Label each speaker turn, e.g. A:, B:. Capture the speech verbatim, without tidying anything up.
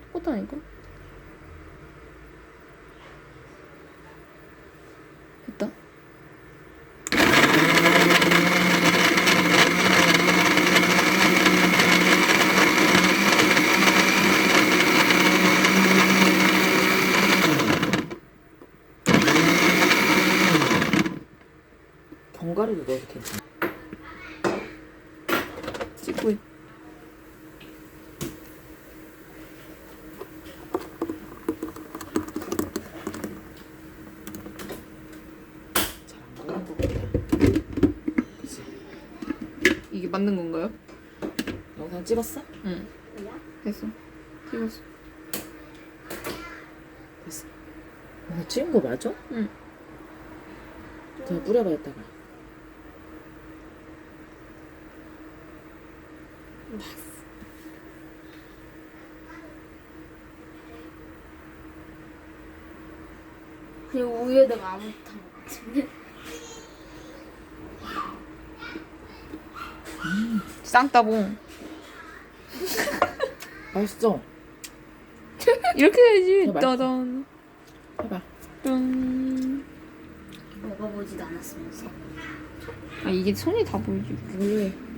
A: 똑같다니까? 됐다.
B: 견과류도 넣어도 괜찮아.
A: 찍고 있.
B: 잘안 걸린 것 같아. 그치?
A: 이게 맞는 건가요?
B: 영상 찍었어?
A: 응. 됐어. 찍었어.
B: 됐어. 이거 찍은 거 맞아?
A: 응.
B: 더 뿌려봐 이따가.
C: 그리고 우유에다가 아무것도 안 같은데.
A: 쌍따봉.
B: 맛있어.
A: 이렇게 해야지.
B: 이거 맛있어.
A: 따단.
B: 해봐.
A: 짠.
C: 먹어보지도 않았으면서.
A: 아 이게 손이 다 보이지.
B: 왜?